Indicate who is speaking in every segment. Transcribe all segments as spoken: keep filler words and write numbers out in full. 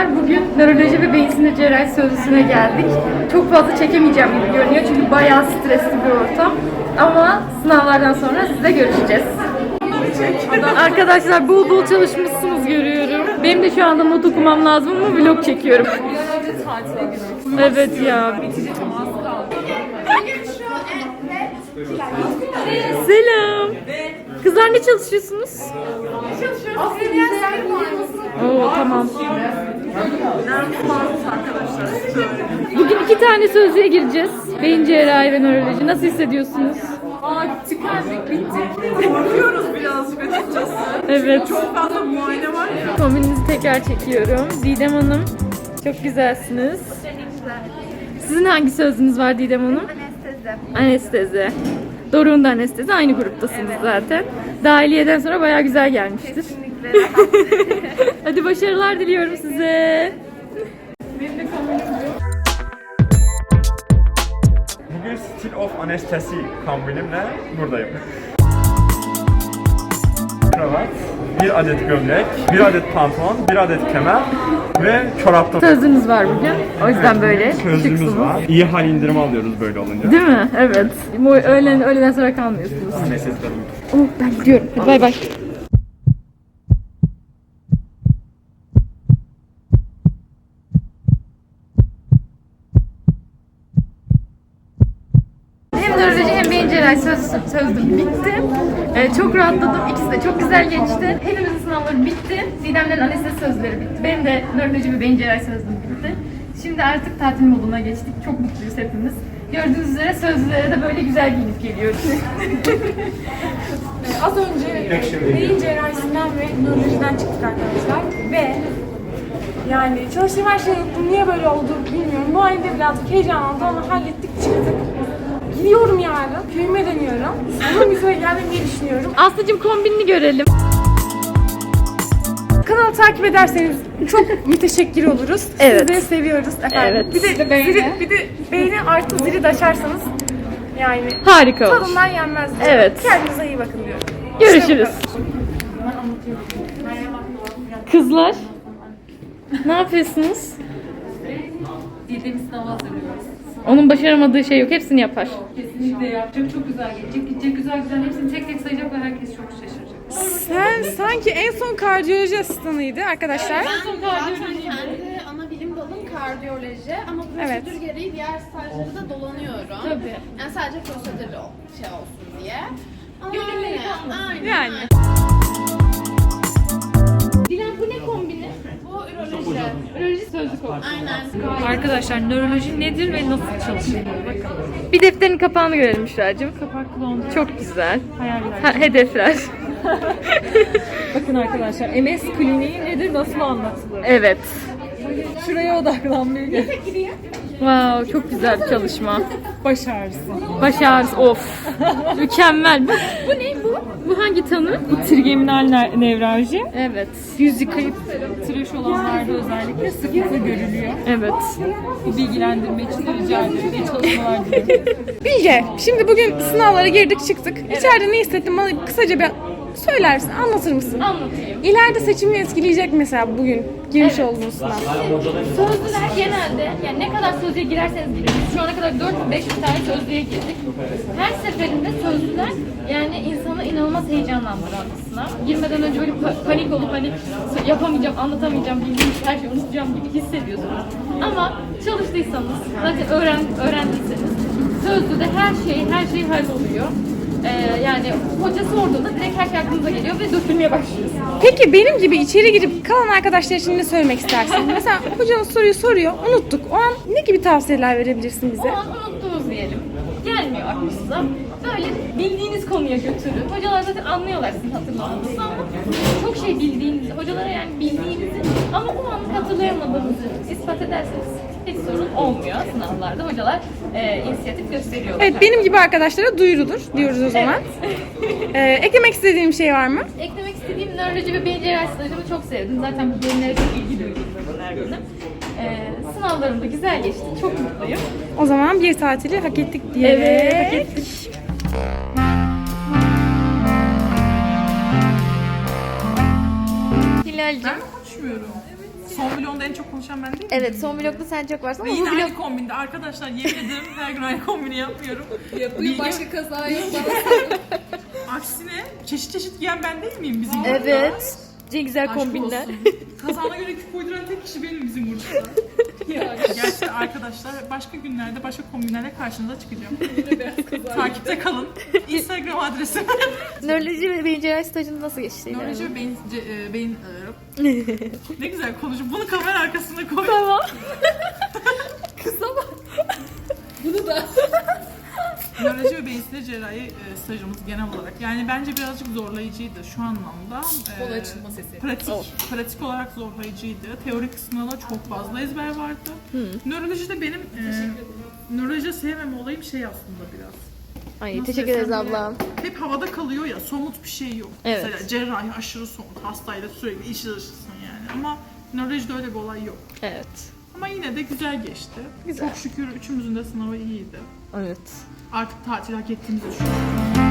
Speaker 1: arkadaşlar, bugün nöroloji ve beyin sinir cerrahi sözlüsüne geldik. Çok fazla çekemeyeceğim gibi görünüyor çünkü bayağı stresli bir ortam. Ama sınavlardan sonra sizle görüşeceğiz. Arkadaşlar bol bol çalışmışsınız görüyorum. Benim de şu anda not okumam lazım ama vlog çekiyorum. Evet ya. Selam. Kızlar ne çalışıyorsunuz? Oo tamam. Bugün iki tane sözlüğe gireceğiz. Beyin cerrahi ve nöroloji. Nasıl hissediyorsunuz?
Speaker 2: Aa tükendik, bittik. Bakıyoruz birazcık açıkçası.
Speaker 1: Evet.
Speaker 2: Çok fazla muayene var ya.
Speaker 1: Kombininizi tekrar çekiyorum. Didem Hanım, çok güzelsiniz. Sizin hangi sözünüz var Didem Hanım? Anestezi. Anestezi. Doruk'un da anestezi. Aynı gruptasınız evet. Zaten. Dahiliyeden sonra bayağı güzel gelmiştir. Kesinlikle. Hadi başarılar diliyorum size. Benim de
Speaker 3: Bugün Style of Anestesi kombinimle buradayım. Kravat, bir adet gömlek, bir adet pantolon, bir adet kemer ve çorapta.
Speaker 1: Sözünüz var bugün. O yüzden böyle
Speaker 3: Sözlüğümüz
Speaker 1: şıksınız.
Speaker 3: var. İyi hal indirimi alıyoruz böyle olunca.
Speaker 1: Değil mi? Evet. Öğlen, öğleden sonra kalmıyorsunuz.
Speaker 3: Anesteziden.
Speaker 1: Oh, ben gidiyorum. Hadi bay bay. Hem nöroloji hem beyin cerrahi söz, sözlüm bitti. Ee, çok rahatladım. İkisi de çok güzel geçti. Hepimizin sınavları bitti. Didem'lerin anestezi sözleri bitti. Benim de nöroloji ve beyin cerrahi sözlüm bitti. Şimdi artık tatil moduna geçtik. Çok mutluyuz hepimiz. Gördüğünüz üzere sözlülere de böyle güzel giyinip geliyoruz.
Speaker 2: Az önce beyin cerrahisinden ve nörolojiden çıktık arkadaşlar. Ve yani çalıştığım her şey yoktu. Niye böyle oldu bilmiyorum. Bu halde birazcık heyecanlandım ama hallettik, çıktık. Gidiyorum yarın. Köyüme dönüyorum. Uzun bir süre geldim diye düşünüyorum.
Speaker 1: Aslıcığım kombinini görelim.
Speaker 2: Kanalı takip ederseniz çok müteşekkir oluruz.
Speaker 1: Evet.
Speaker 2: Sizleri seviyoruz efendim.
Speaker 1: Evet.
Speaker 2: Bir de zili, bir de beğeni artı zili de açarsanız yani
Speaker 1: Harika olur.
Speaker 2: tadından yenmez.
Speaker 1: Evet.
Speaker 2: Kendinize iyi bakın diyorum.
Speaker 1: Görüşürüz. Kızlar, ne yapıyorsunuz?
Speaker 4: Girdiğimiz sınava hazırlıyoruz.
Speaker 1: Onun başaramadığı şey yok, hepsini yapar.
Speaker 4: Kesinlikle yapacak, çok güzel gelecek. Gidecek güzel güzel hepsini tek tek sayacak ve herkes çok şaşıracak.
Speaker 2: Sen sanki en son kardiyoloji asistanıydı arkadaşlar.
Speaker 5: Ben zaten kendi ana bilim dalım kardiyoloji ama prosedür
Speaker 2: Evet.
Speaker 5: gereği diğer stajları da dolanıyorum.
Speaker 1: Tabii.
Speaker 5: Yani sadece prosedür şey olsun diye. Ama
Speaker 1: Gönülleri
Speaker 5: öyle.
Speaker 1: kalmasın.
Speaker 5: Aynen.
Speaker 2: Yani.
Speaker 1: Dilan bu ne kombini?
Speaker 5: Bu üroloji.
Speaker 1: Nöroloji sözlük oldu.
Speaker 5: Aynen.
Speaker 4: Arkadaşlar nöroloji nedir ve nasıl çalışır? Bakın.
Speaker 1: Bir defterin kapağını görelim Müşra'cığım.
Speaker 4: Kapaklı oldu.
Speaker 1: Çok güzel.
Speaker 4: Hayaller.
Speaker 1: Ha, hedefler.
Speaker 4: Bakın arkadaşlar M S kliniği nedir, nasıl anlatılır?
Speaker 1: Evet.
Speaker 4: Şuraya odaklanmayı gel.
Speaker 1: Wow, çok güzel bir çalışma.
Speaker 4: Baş ağrısı.
Speaker 1: Baş ağrısı, of. Mükemmel. Bu, bu ne bu? Bu hangi tanı?
Speaker 4: Bu trigeminal ne- nevralji.
Speaker 1: Evet.
Speaker 4: Yüz yıkayıp tıraş olanlarda özellikle sıklıkla görülüyor.
Speaker 1: Evet.
Speaker 4: Bu bilgilendirme için de rica ederim. İyi çalışmalar diliyorum.
Speaker 2: Bilge, şimdi bugün sınavlara girdik çıktık. İçeride ne hissettin bana kısaca bir söyler misin, anlatır mısın?
Speaker 1: Anlatayım.
Speaker 2: İleride seçimini etkileyecek mesela bugün girmiş olduğunuz sınav.
Speaker 1: Sözlüler genelde, yani ne kadar sözlüğe girerseniz girin. Biz şu ana kadar dört beş tane sözlüğe girdik. Her seferinde sözlüler yani insanı inanılmaz heyecanlandıran bir sınav. Girmeden önce böyle pa- panik olup hani yapamayacağım, anlatamayacağım, bildiğim her şeyi unutacağım gibi hissediyorsunuz. Ama çalıştıysanız, zaten öğren, öğrendiyseniz sözlüde her şey, her şey halloluyor. Ee, yani hoca sorduğunda direkt her şey aklınıza geliyor ve dökülmeye başlıyorsunuz.
Speaker 2: Peki benim gibi içeri girip kalan arkadaşlar için ne söylemek istersin? Mesela hocanız soruyu soruyor, unuttuk. O an ne gibi tavsiyeler verebilirsin bize?
Speaker 1: O an unuttunuz diyelim. Gelmiyor aklınıza. Böyle bildiğiniz konuya götürün. Hocalar zaten anlıyorlar sizin hatırlamanızı ama çok şey bildiğinizi, hocalara yani bildiğinizi ama o an hatırlayamadığınızı ispat ederseniz hiç sorun olmuyor sınavlarda. Hocalar e, inisiyatif gösteriyorlar.
Speaker 2: Evet, benim gibi arkadaşlara duyurulur diyoruz o zaman. ee, eklemek istediğim şey var mı?
Speaker 1: Eklemek istediğim nöroloji ve beyin cerrahi stajımı çok sevdim. Zaten bu bölümlere çok ilgi duydum her dönem. Ee, sınavlarım da güzel geçti. Çok mutluyum.
Speaker 2: O zaman bir tatili hak ettik diye.
Speaker 1: Evet, hak ettik. Hilal'cim.
Speaker 4: Konuşmuyorum.
Speaker 2: Son vlogunda en çok konuşan ben değil mi?
Speaker 1: Evet, son vlogda sen çok varsın
Speaker 2: Ve
Speaker 1: ama
Speaker 2: yine
Speaker 1: bu vlog...
Speaker 2: aynı kombinde. Arkadaşlar yemin ederim her gün aynı kombini yapmıyorum.
Speaker 5: Yapıyor başka kaza yok.
Speaker 2: Aksine çeşit çeşit giyen ben değil miyim bizim burada?
Speaker 1: Evet. Ne güzel
Speaker 2: Aşk
Speaker 1: kombinler.
Speaker 2: olsun. Kazağına göre küp uyduran tek kişi benim bizim burada. Gerçekten arkadaşlar başka günlerde başka kombinlerle karşınıza çıkacağım. Takipte kalın. Instagram adresim.
Speaker 1: Nöroloji ve beyin cerrahi stajını nasıl geçti?
Speaker 2: Nöroloji ve beyin, ce- e, beyin ne güzel konuşup bunu kamera arkasına koy.
Speaker 1: Tamam.
Speaker 5: Bunu da.
Speaker 2: Nöroloji ve beyin cerrahi e, stajımız genel olarak. Yani bence birazcık zorlayıcıydı şu anlamda. E,
Speaker 5: Kol açılma sesi.
Speaker 2: Pratik, pratik olarak zorlayıcıydı. Teorik kısmında çok fazla ezber vardı. Nörolojide benim e, nöroloji sevmeme olayım şey aslında biraz.
Speaker 1: Ay
Speaker 2: Nasıl
Speaker 1: teşekkür ederiz
Speaker 2: desem böyle
Speaker 1: ablam.
Speaker 2: Hep havada kalıyor ya, somut bir şey yok.
Speaker 1: Evet.
Speaker 2: Mesela cerrahi aşırı somut, hastayla sürekli içi dışısın yani. Ama nörolojide öyle bir olay yok.
Speaker 1: Evet.
Speaker 2: Ama yine de güzel geçti.
Speaker 1: Güzel.
Speaker 2: Çok şükür üçümüzün de sınavı iyiydi.
Speaker 1: Evet.
Speaker 2: Artık tatil hak ettiğimizi düşünüyorum.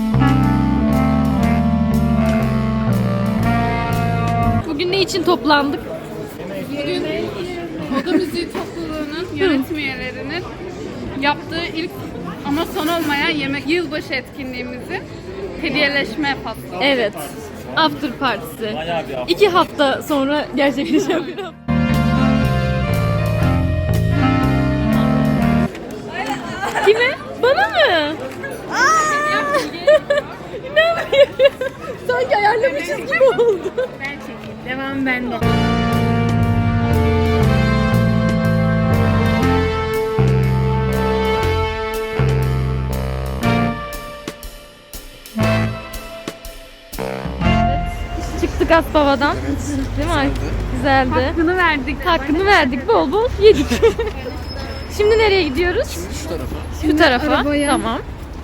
Speaker 1: Bugün ne için toplandık?
Speaker 5: Bugün Oda Müziği topluluğunun yönetim üyelerinin yaptığı ilk ama son olmayan yemek yılbaşı etkinliğimizi hediyeleşme faslı.
Speaker 1: Evet. After partisi. İki hafta sonra gerçekleşiyor. Kime? Bana mı? İnanmıyorum. Sanki ayarlamışız gibi oldu.
Speaker 5: Ben çekeyim. Devam bende.
Speaker 1: Çıktık Aspava'dan. Değil mi? Güzeldi.
Speaker 5: Hakkını verdik.
Speaker 1: Hakkını verdik. Bol bol yedik. Şimdi nereye gidiyoruz? Şimdi şu tarafa. Şu tarafa.
Speaker 5: arabaya.
Speaker 1: Tamam.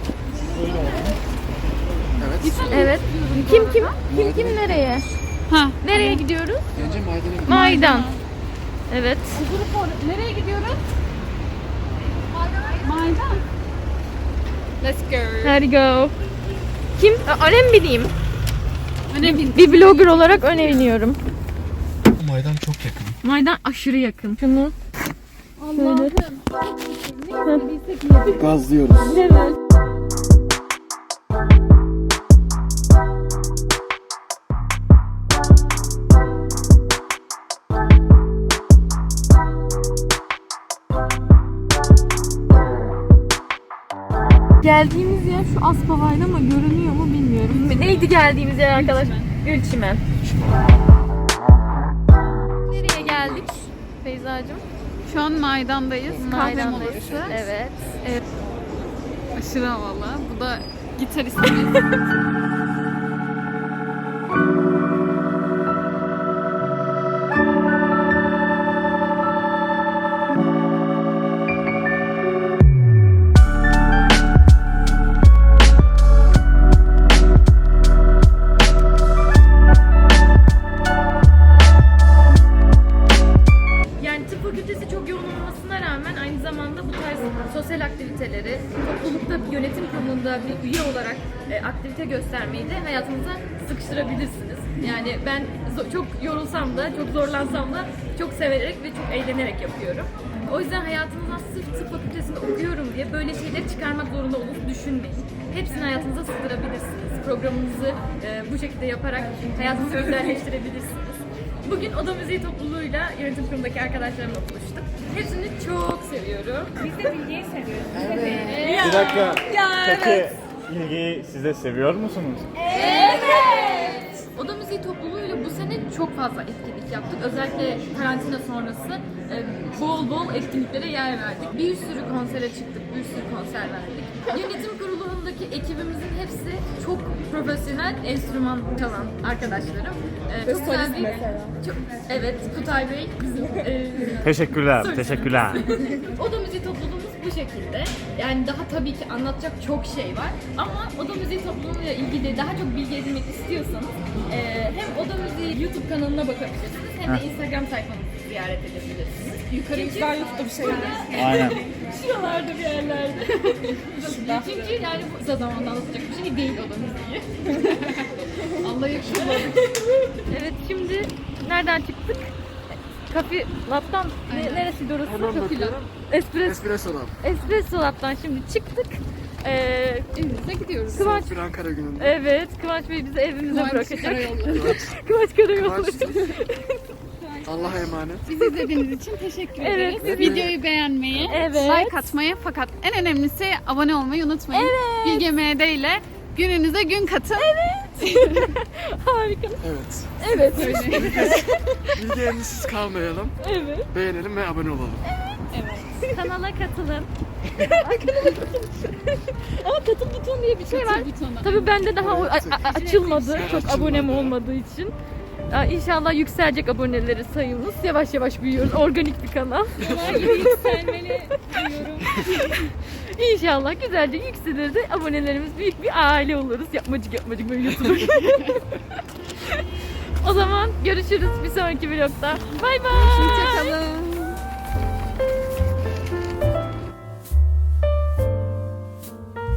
Speaker 1: Evet. Kim kim? Kim kim nereye?
Speaker 5: Ha.
Speaker 1: Nereye gidiyoruz?
Speaker 6: Önce maydanoz.
Speaker 1: Maydan. Evet.
Speaker 5: Nereye gidiyoruz? Maydan. Let's go.
Speaker 1: Hadi go. Kim? Aa, önem bileyim.
Speaker 5: Önemli.
Speaker 1: Bir blogger olarak öneriyorum.
Speaker 6: Maydan çok yakın.
Speaker 1: Maydan aşırı yakın. Şunu.
Speaker 6: Gazlıyoruz.
Speaker 1: Evet. Geldiğimiz yer şu Aspava'ydı ama görünüyor mu bilmiyorum. Neydi geldiğimiz yer arkadaşlar? Gülçimen. Nereye geldik Feyza'cığım?
Speaker 5: Şu an Maydan'dayız. Kahve
Speaker 1: Maydan'dayız.
Speaker 5: molası.
Speaker 1: Evet. Evet.
Speaker 5: Aşırı havalı. Bu da gitaristimiz.
Speaker 1: Yani tıp fakültesi çok yoğun olmasına rağmen aynı zamanda bu tarz sosyal aktiviteleri, toplulukta bir yönetim kurulunda bir üye olarak e, aktivite göstermeyi de hayatınıza sıkıştırabilirsiniz. Yani ben zo- çok yorulsam da, çok zorlansam da çok severek ve çok eğlenerek yapıyorum. O yüzden hayatınızdan sırf tıp fakültesinde okuyorum diye böyle şeyleri çıkarmak zorunda olduğunuzu düşünmeyin. Hepsini hayatınıza sığdırabilirsiniz. Programınızı e, bu şekilde yaparak hayatınızı güzelleştirebilirsiniz. Bugün Oda Müziği topluluğuyla yönetim kurulundaki arkadaşlarımla buluştuk. Hepsini çok seviyorum. Biz de Bilge'yi seviyoruz. Evet.
Speaker 3: Bir dakika. Peki ilgiyi siz de seviyor musunuz?
Speaker 1: Evet. Oda Müziği topluluğuyla bu sene çok fazla etkinlik yaptık. Özellikle karantina sonrası e, bol bol etkinliklere yer verdik. Bir sürü konsere çıktık, bir sürü konser verdik. Yönetim kurulundaki ekibimizin hepsi çok profesyonel enstrüman çalan arkadaşlarım. E, çok güzel bir, çok, evet, Kutay Bey bizim e,
Speaker 3: Teşekkürler,
Speaker 1: Sorry.
Speaker 3: teşekkürler.
Speaker 1: Oda Müziği topluluğumuz bu şekilde. Yani daha tabii ki anlatacak çok şey var. Ama Oda Müziği topluluğuyla ilgili daha çok bilgi edinmek istiyorsanız e, hem Oda Müziği YouTube kanalına bakabilirsiniz hem de Instagram sayfamızı ziyaret edebilirsiniz. Yukarı güzel YouTube'da bir şeyler.
Speaker 3: Aynen.
Speaker 1: Şuralarda bir yerlerde. Çünkü yani bu kısa zamanda anlatacak bir şey değil Oda Müziği. Allah yakışıklı. Evet, şimdi nereden çıktık?
Speaker 4: Coffee Lab'dan ne, neresiydi orası?
Speaker 6: Hemen bakıyorum.
Speaker 4: Espresso,
Speaker 6: Espresso Lab.
Speaker 4: Espresso Lab'dan şimdi çıktık. Ee,
Speaker 5: Evimize gidiyoruz.
Speaker 4: Kıvanç,
Speaker 6: Bir Ankara gününde.
Speaker 4: evet Kıvanç Bey bizi evimize
Speaker 5: Kıvanç
Speaker 4: bırakacak.
Speaker 5: Karayolları.
Speaker 4: Kıvanç Karayolları.
Speaker 6: Kıvanç. Allah'a emanet.
Speaker 5: Bizi izlediğiniz için teşekkür
Speaker 4: Evet,
Speaker 5: ederiz.
Speaker 4: evet.
Speaker 5: Videoyu beğenmeyi,
Speaker 4: Evet.
Speaker 5: like atmayı fakat en önemlisi abone olmayı unutmayın.
Speaker 4: Evet.
Speaker 5: Bilge M D ile gününüze gün katın.
Speaker 4: Harika.
Speaker 6: Evet.
Speaker 4: Evet.
Speaker 6: Bilgi emrisiz kalmayalım.
Speaker 4: Evet.
Speaker 6: Beğenelim ve abone olalım.
Speaker 4: Kanala katılın. Ama katıl butonu diye bir şey var.
Speaker 5: Butonu.
Speaker 4: Tabii bende daha o- a- a- açılmadı.
Speaker 6: Evet,
Speaker 4: Çok
Speaker 6: açılmadı.
Speaker 4: abonem olmadığı için. Aa, İnşallah yükselecek aboneleri sayımız. Yavaş yavaş büyüyoruz. Organik bir kanal.
Speaker 1: Yükselmeli diyorum.
Speaker 4: İnşallah güzelce yükselir de abonelerimiz büyük bir aile oluruz. Yapmacık yapmacık böyle YouTuber. O zaman görüşürüz bir sonraki vlogda. Bay bay.
Speaker 5: Hoşçakalın.